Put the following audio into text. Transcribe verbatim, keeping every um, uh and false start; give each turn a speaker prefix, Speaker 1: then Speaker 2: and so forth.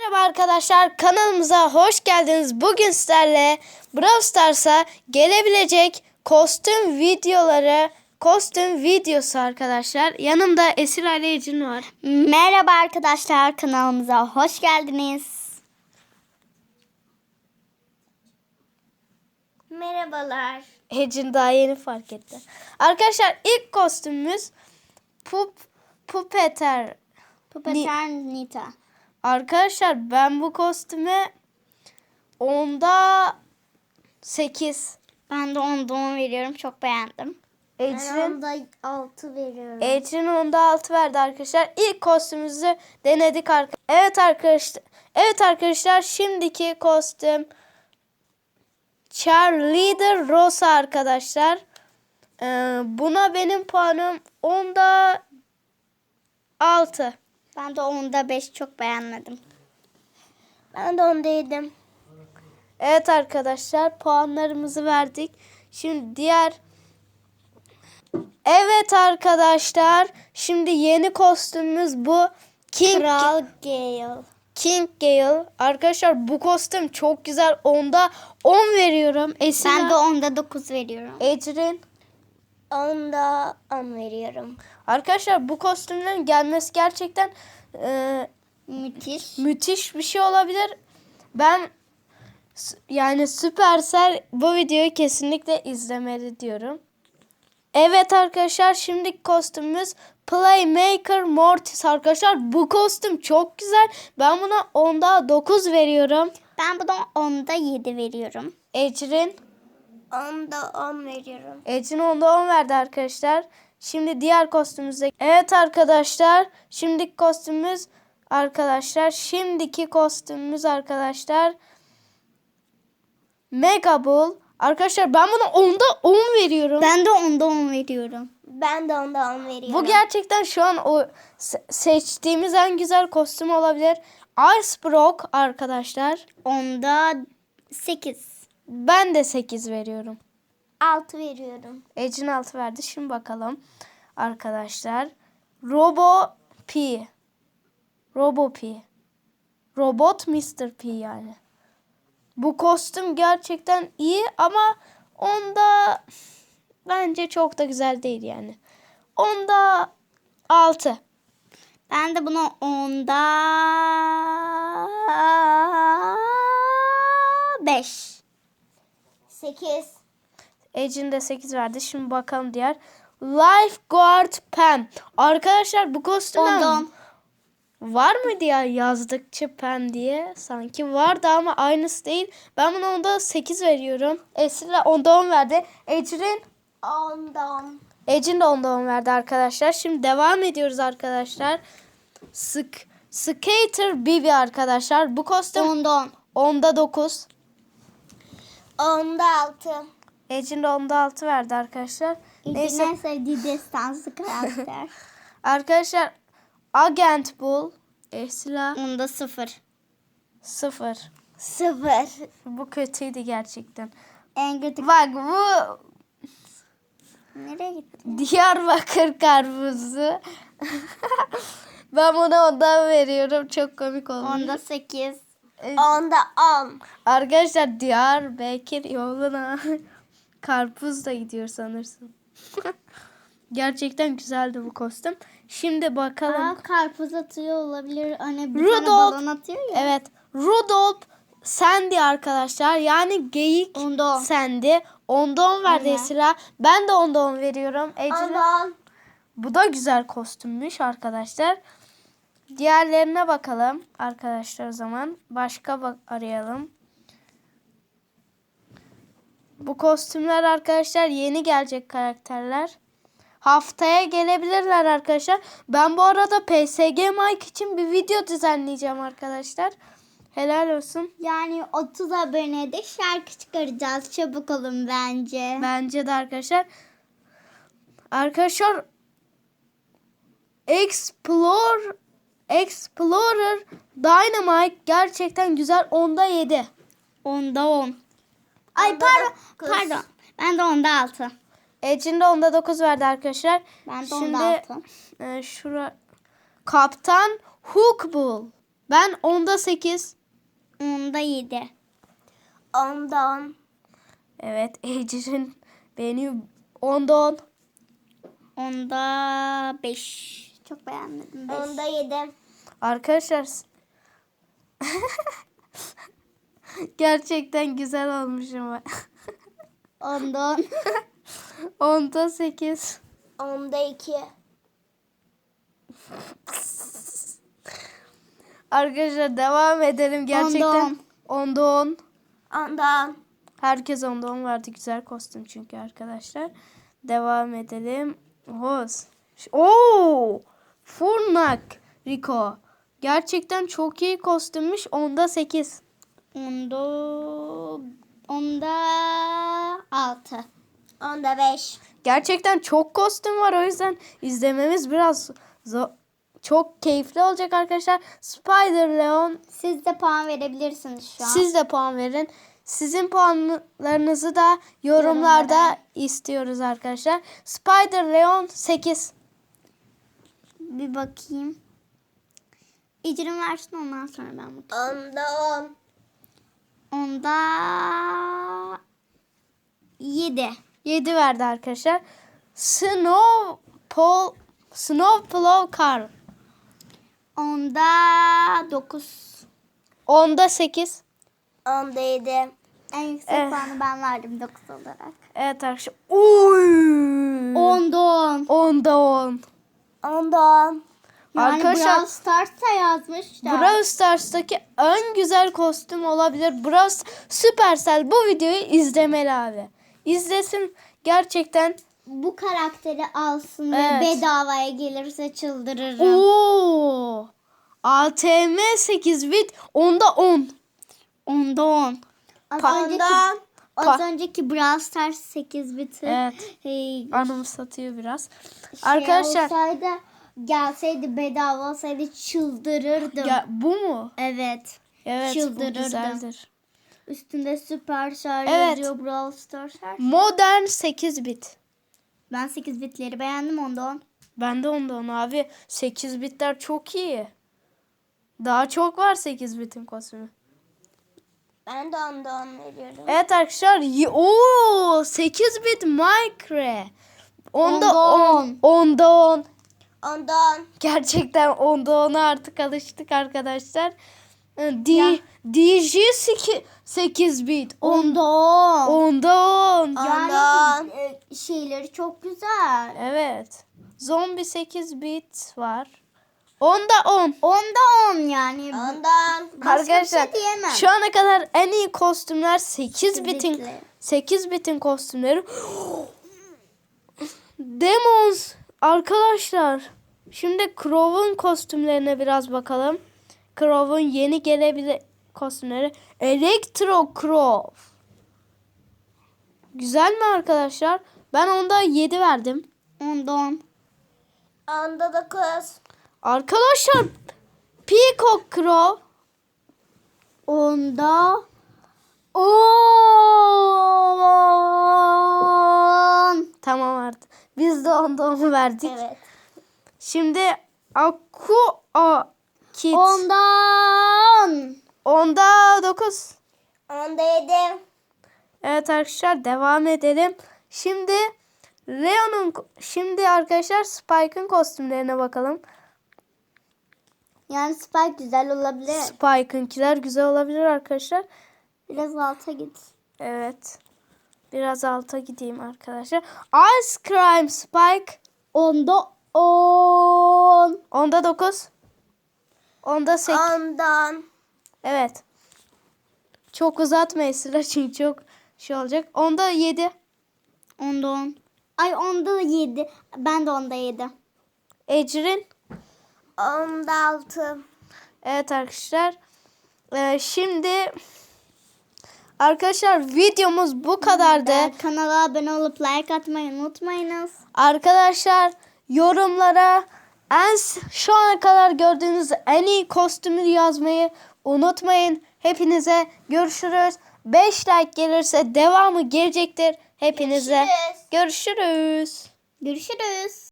Speaker 1: Merhaba arkadaşlar, kanalımıza hoş geldiniz. Bugün sizlerle Brawl Stars'a gelebilecek kostüm videoları, kostüm videosu arkadaşlar. Yanımda Esra ile Ecin var.
Speaker 2: Merhaba arkadaşlar, kanalımıza hoş geldiniz. Merhabalar.
Speaker 1: Ecin daha yeni fark etti. Arkadaşlar ilk kostümümüz Pup Pupeter.
Speaker 2: Pupeter Nita.
Speaker 1: Arkadaşlar ben bu kostüme onda sekiz.
Speaker 2: Ben de onda on veriyorum, çok beğendim.
Speaker 1: Ecrin
Speaker 2: onda altı veriyorum.
Speaker 1: Ecrin onda altı verdi arkadaşlar. İlk kostümümüzü denedik arkadaşlar. Evet arkadaşlar. Evet arkadaşlar şimdiki kostüm Cheerleader Rosa arkadaşlar. Ee, buna benim puanım onda altı.
Speaker 2: Ben de onda beş, çok beğenmedim. Ben de onda yedim.
Speaker 1: Evet arkadaşlar puanlarımızı verdik. Şimdi diğer Evet arkadaşlar şimdi yeni kostümümüz bu. King
Speaker 2: Kral Gale.
Speaker 1: King Gale. Arkadaşlar bu kostüm çok güzel. Onda on veriyorum. Esra,
Speaker 2: Ben de onda dokuz veriyorum.
Speaker 1: Ecrin.
Speaker 2: Onda on veriyorum.
Speaker 1: Arkadaşlar bu kostümlerin gelmesi gerçekten e,
Speaker 2: Müthiş.
Speaker 1: müthiş bir şey olabilir. Ben s- yani Supercell bu videoyu kesinlikle izlemeli diyorum. Evet arkadaşlar şimdiki kostümümüz Playmaker Mortis arkadaşlar. Bu kostüm çok güzel. Ben buna onda dokuz veriyorum.
Speaker 2: Ben buna onda yedi veriyorum.
Speaker 1: Ecrin.
Speaker 2: Onda on veriyorum.
Speaker 1: Ecrin onda on verdi arkadaşlar. Şimdi diğer kostümümüze. Evet arkadaşlar. Şimdiki kostümümüz arkadaşlar. Şimdiki kostümümüz arkadaşlar. Mega Bull. Arkadaşlar ben buna onda on veriyorum.
Speaker 2: Ben de onda on veriyorum. Ben de onda on veriyorum.
Speaker 1: Bu gerçekten şu an o se- seçtiğimiz en güzel kostüm olabilir. Ice Brock arkadaşlar.
Speaker 2: Onda sekiz.
Speaker 1: Ben de sekiz veriyorum.
Speaker 2: altı veriyorum.
Speaker 1: Ecin altı verdi. Şimdi bakalım arkadaşlar. Robo P. Robo P. Robot mister P yani. Bu kostüm gerçekten iyi ama onda bence çok da güzel değil yani. Onda altı.
Speaker 2: Ben de buna onda beş. sekiz.
Speaker 1: Ecin de sekiz verdi. Şimdi bakalım diğer. Lifeguard Pam. Arkadaşlar bu kostümden
Speaker 2: Onda on.
Speaker 1: var mıydı ya yazdıkça Pam diye? Sanki vardı ama aynısı değil. Ben buna onda sekiz veriyorum. Esra onda on verdi. Ecrin
Speaker 2: Onda on.
Speaker 1: Ecin de onda on verdi arkadaşlar. Şimdi devam ediyoruz arkadaşlar. Sık Skater Bibi arkadaşlar. Bu kostüm
Speaker 2: Onda on.
Speaker 1: onda dokuz.
Speaker 2: Onda altı.
Speaker 1: Ecin de onda altı verdi arkadaşlar. Neyse.
Speaker 2: En sevdiği destansı karakter.
Speaker 1: Arkadaşlar Agent Bull Esra
Speaker 2: Onda sıfır.
Speaker 1: sıfır.
Speaker 2: Sıfır.
Speaker 1: Bu kötüydü gerçekten.
Speaker 2: En kötü.
Speaker 1: Bak bu
Speaker 2: Nereye gitti?
Speaker 1: Diyarbakır karpuzu. Ben buna ondan veriyorum. Çok komik olmuş.
Speaker 2: Onda sekiz.
Speaker 1: Ee,
Speaker 2: Onda on.
Speaker 1: Arkadaşlar Diyarbakır yoluna karpuz da gidiyor sanırsın. Gerçekten güzeldi bu kostüm. Şimdi bakalım.
Speaker 2: Aa, karpuz atıyor olabilir. Hani bir
Speaker 1: Rudolph.
Speaker 2: tane balon atıyor ya.
Speaker 1: Evet. Rudolph Sandy arkadaşlar. Yani geyik
Speaker 2: Onda on.
Speaker 1: Sandy. Onda on verdi
Speaker 2: Evet.
Speaker 1: Esra. Ben de onda on veriyorum. Ecrin.
Speaker 2: on.
Speaker 1: Bu da güzel kostümmüş arkadaşlar. Diğerlerine bakalım arkadaşlar o zaman. Başka bak arayalım. Bu kostümler arkadaşlar yeni gelecek karakterler. Haftaya gelebilirler arkadaşlar. Ben bu arada P S G Mike için bir video düzenleyeceğim arkadaşlar. Helal olsun.
Speaker 2: Yani otuz abonede şarkı çıkaracağız. Çabuk olun bence.
Speaker 1: Bence de arkadaşlar. Arkadaşlar Explore Explorer Dynamite gerçekten güzel. Onda yedi.
Speaker 2: Onda on. Ay
Speaker 1: Onda
Speaker 2: pardon.
Speaker 1: dokuz.
Speaker 2: Pardon. Ben de onda altı.
Speaker 1: Ecin de onda dokuz verdi arkadaşlar.
Speaker 2: Ben de
Speaker 1: Şimdi
Speaker 2: onda altı.
Speaker 1: e, şura Kaptan Hookbull. Ben onda sekiz.
Speaker 2: Onda yedi. Onda on.
Speaker 1: Evet. Ecrin beğeniyor. Onda on.
Speaker 2: Onda beş. Çok beğenmedim. Beş. Onda yedi.
Speaker 1: Arkadaşlar gerçekten güzel olmuş ama.
Speaker 2: Onda on.
Speaker 1: Onda sekiz.
Speaker 2: Onda iki.
Speaker 1: Arkadaşlar devam edelim. Gerçekten onda on.
Speaker 2: Onda on.
Speaker 1: Herkes onda on verdi. Güzel kostüm çünkü arkadaşlar. Devam edelim. Hoz. Oo! Furnak Rico. Gerçekten çok iyi kostümmüş. Onda sekiz.
Speaker 2: Onda onda altı. Onda beş.
Speaker 1: Gerçekten çok kostüm var. O yüzden izlememiz biraz zor. Çok keyifli olacak arkadaşlar. Spider Leon.
Speaker 2: Siz de puan verebilirsiniz şu an.
Speaker 1: Siz de puan verin. Sizin puanlarınızı da yorumlarda
Speaker 2: Yorumlara.
Speaker 1: istiyoruz arkadaşlar. Spider Leon sekiz.
Speaker 2: Bir bakayım. İcrim versin ondan sonra ben bakayım. Onda on. Onda yedi.
Speaker 1: yedi verdi arkadaşlar. Snow Paul Snow Plow Car.
Speaker 2: Onda dokuz.
Speaker 1: Onda sekiz.
Speaker 2: Onda yedi. En yüksek
Speaker 1: Eh.
Speaker 2: puanı ben verdim dokuz olarak.
Speaker 1: Evet arkadaşlar. Uy.
Speaker 2: Onda on.
Speaker 1: Onda on.
Speaker 2: Onda on. Yani
Speaker 1: Arkadaşlar-
Speaker 2: Brawl Stars'a yazmışlar.
Speaker 1: Brawl Stars'taki en güzel kostüm olabilir. Brawl Supercell bu videoyu izlemeli abi. İzlesin gerçekten.
Speaker 2: Bu karakteri alsın
Speaker 1: Evet.
Speaker 2: ve bedavaya gelirse çıldırırım.
Speaker 1: Oo! A T M sekiz bit onda on.
Speaker 2: Onda on. Az
Speaker 1: Pa-
Speaker 2: önceki, az
Speaker 1: Pa-
Speaker 2: önceki Brawl Stars sekiz biti.
Speaker 1: Evet.
Speaker 2: Hey,
Speaker 1: Anımsatıyor biraz.
Speaker 2: şey
Speaker 1: Arkadaşlar
Speaker 2: olsaydı, gelseydi bedava olsaydı çıldırırdım.
Speaker 1: ya bu mu?
Speaker 2: Evet.
Speaker 1: Evet bu
Speaker 2: Çıldırırdım.
Speaker 1: güzeldir.
Speaker 2: Üstünde Supercell
Speaker 1: Evet.
Speaker 2: yazıyor, Brawl Stars. her şey.
Speaker 1: Modern sekiz bit.
Speaker 2: Ben sekiz bitleri beğendim, onda on.
Speaker 1: Ben de onda on abi. sekiz bitler çok iyi. Daha çok var sekiz bitin kostümü.
Speaker 2: Ben de onda on veriyorum.
Speaker 1: Evet arkadaşlar. y- Oo, sekiz bit Minecraft. Onda
Speaker 2: Onda
Speaker 1: on.
Speaker 2: on.
Speaker 1: Onda on.
Speaker 2: Onda on.
Speaker 1: Gerçekten onda ona artık alıştık arkadaşlar. D
Speaker 2: Ya.
Speaker 1: D J sekiz bit.
Speaker 2: Onda on.
Speaker 1: Onda on.
Speaker 2: Yani e, şeyleri çok güzel.
Speaker 1: Evet. Zombi sekiz bit var. Onda on.
Speaker 2: Onda on yani. Ondan.
Speaker 1: Arkadaşlar
Speaker 2: şey diyemem.
Speaker 1: şu ana kadar en iyi kostümler sekiz bitin
Speaker 2: bitli.
Speaker 1: sekiz bitin kostümleri. Demons arkadaşlar. Şimdi Crow'un kostümlerine biraz bakalım. Crow'un yeni gelebilir kostümleri. Electro Crow. Güzel mi arkadaşlar? Ben onda yedi verdim.
Speaker 2: Onda on. Onda dokuz.
Speaker 1: Arkadaşlar Peacock Crow.
Speaker 2: Onda on.
Speaker 1: Tamam artık. Biz de onda onu verdik.
Speaker 2: Evet.
Speaker 1: Şimdi Aqua Kit.
Speaker 2: Ondan.
Speaker 1: Onda dokuz.
Speaker 2: Onda yedi.
Speaker 1: Evet arkadaşlar devam edelim. Şimdi Leon'un şimdi arkadaşlar Spike'ın kostümlerine bakalım.
Speaker 2: Yani Spike güzel olabilir.
Speaker 1: Spike'ınkiler güzel olabilir arkadaşlar.
Speaker 2: Biraz alta git.
Speaker 1: Evet. Biraz alta gideyim arkadaşlar. Ice Cream Spike.
Speaker 2: Onda on.
Speaker 1: Onda dokuz. Onda sekiz.
Speaker 2: Ondan.
Speaker 1: Evet. Çok uzatma Esra çünkü çok şey olacak. Onda yedi.
Speaker 2: Onda on. Ay onda yedi. Ben de onda yedi.
Speaker 1: Ecrin.
Speaker 2: Onda altı.
Speaker 1: Evet arkadaşlar. Ee, şimdi arkadaşlar videomuz bu kadardı.
Speaker 2: Ve kanala abone olup like atmayı unutmayınız.
Speaker 1: Arkadaşlar yorumlara en şu ana kadar gördüğünüz en iyi kostümü yazmayı unutmayın. Hepinize görüşürüz. beş like gelirse devamı gelecektir. Hepinize görüşürüz.
Speaker 2: Görüşürüz.